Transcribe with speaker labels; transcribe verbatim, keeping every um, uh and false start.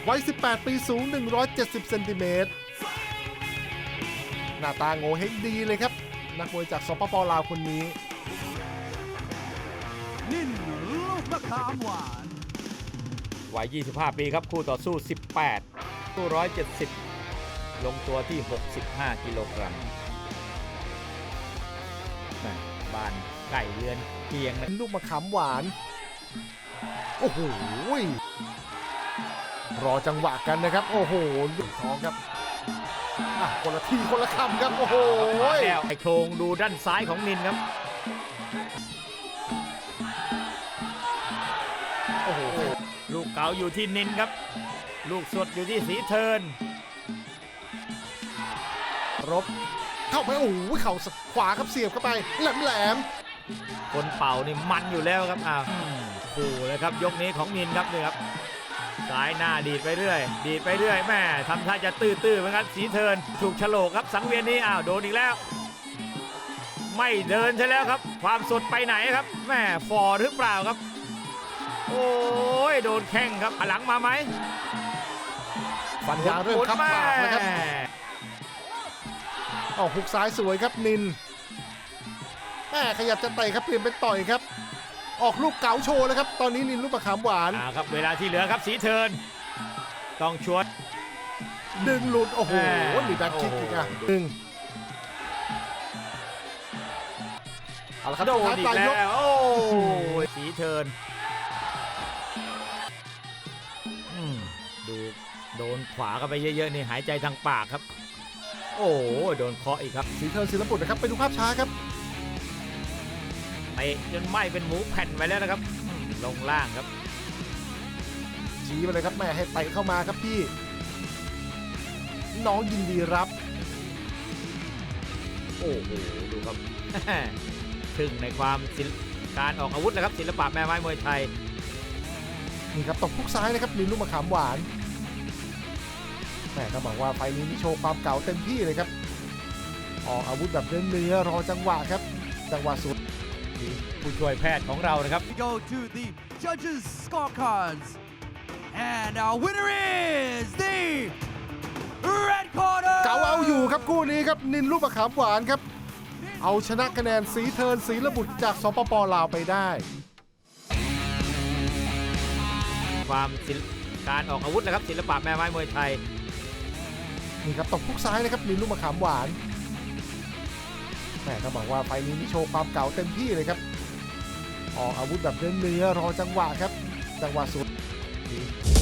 Speaker 1: วัยสิบแปดปีสูงหนึ่งร้อยเจ็ดสิบเซนติเมตรหน้าตาโง่เฮงดีเลยครับนักมวยจากสปป.ลาวคนนี้
Speaker 2: นิ่นลูกมะขามหวาน
Speaker 3: วัยยี่สิบห้าปีครับคู่ต่อสู้สิบแปดคู่หนึ่งร้อยเจ็ดสิบลงตัวที่หกสิบห้ากิโลกรัมบ้านไก่เรือนเคียงนะ
Speaker 1: ลูกมะขามหวานโอ้โหรอจังหวะกันนะครับโอ้โหลูกท้องครับคนละทีคนละคำครับโอ้โห
Speaker 3: ไอโครงดูด้านซ้ายของนินครับโอ้โหลูกเก๋าอยู่ที่นินครับลูกสดอยู่ที่สีเทิร์น
Speaker 1: รบเข้าไปโอ้โหเข่าขวาครับเสียบเข้าไปแหลมแหลม
Speaker 3: คนเป่านี่มันอยู่แล้วครับอ้าวขู่เลยครับยกนี้ของนินครับนี่ครับซ้ายหน้าดีดไปเรื่อยดีดไปเรื่อยแม่ทำท่าจะตื้อๆเหมือนกันสีเทิร์นถูกฉลกครับสังเวียนนี้อ้าวโดนอีกแล้วไม่เดินใช่แล้วครับความสดไปไหนครับแม่ฟอร์หรือเปล่าครับโอ้ยโดนแข้งครับหลังมาไหม
Speaker 1: ฟันยางเริ่มคับปากแล้วครับออกหุกซ้ายสวยครับนินแม่ขยับจะเตะครับเปลี่ยนเป็นต่อยครับออกลูกเก๋าโชว์แล้วครับตอนนี้นินลูกมะขามหวาน
Speaker 3: อ่าครับเวลาที่เหลือครับสีเทิร์นต้องชวน
Speaker 1: ดึงหลุดโอ้โหมีแบ็คคิกอีกอ่ะดึงเอาละครับ
Speaker 3: โดนอีกแล้วโอ้สีเทิร์นดูโดนขวาเข้าไปเยอะๆนี่หายใจทางปากครับโอ้โดนเคาะอีกครับ
Speaker 1: สีเทิร์นศิลปุตรนะครับไปดูภาพช้าครับ
Speaker 3: เตะจนไหม้เป็นหมูแผ่นไปแล้วนะครับลงล่างครับ
Speaker 1: ชี้ไปเลยครับแม่ให้เตะเข้ามาครับพี่น้องยินดีรับ
Speaker 3: โอ้โหดูครับถึงในความการออกอาวุธนะครับศิลปะแม่ไม้มวยไทย
Speaker 1: นี่ครับตบพุกซ้ายนะครับนินลูกมะขามหวานแม่ต้องบอกว่าไฟนี้นี่โชว์ความเก่าเต็มที่เลยครับออกอาวุธแบบเนื้อๆรอจังหวะครับจังหวะสุด
Speaker 3: ผู้ช่วยแพทย์ของเรานะครับ
Speaker 2: We go to the judges scorecards and our winner is the red corner
Speaker 1: เก๋าเอาอยู่ครับคู่นี้ครับนินลูกมะขามหวานครับเอาชนะคะแนนสีเทิร์นศิลบุตรจากสปป.ลาวไปได้
Speaker 3: ความการออกอาวุธนะครับศิลปะแม่ไม้มวยไทย
Speaker 1: นี่ครับตบพุกซ้ายนะครับนินลูกมะขามหวานแม่ต้องบอกว่าไฟนี้นี่โชว์ความเก่าเต็มที่เลยครับออกอาวุธแบบเนื้อๆรอจังหวะครับจังหวะสุด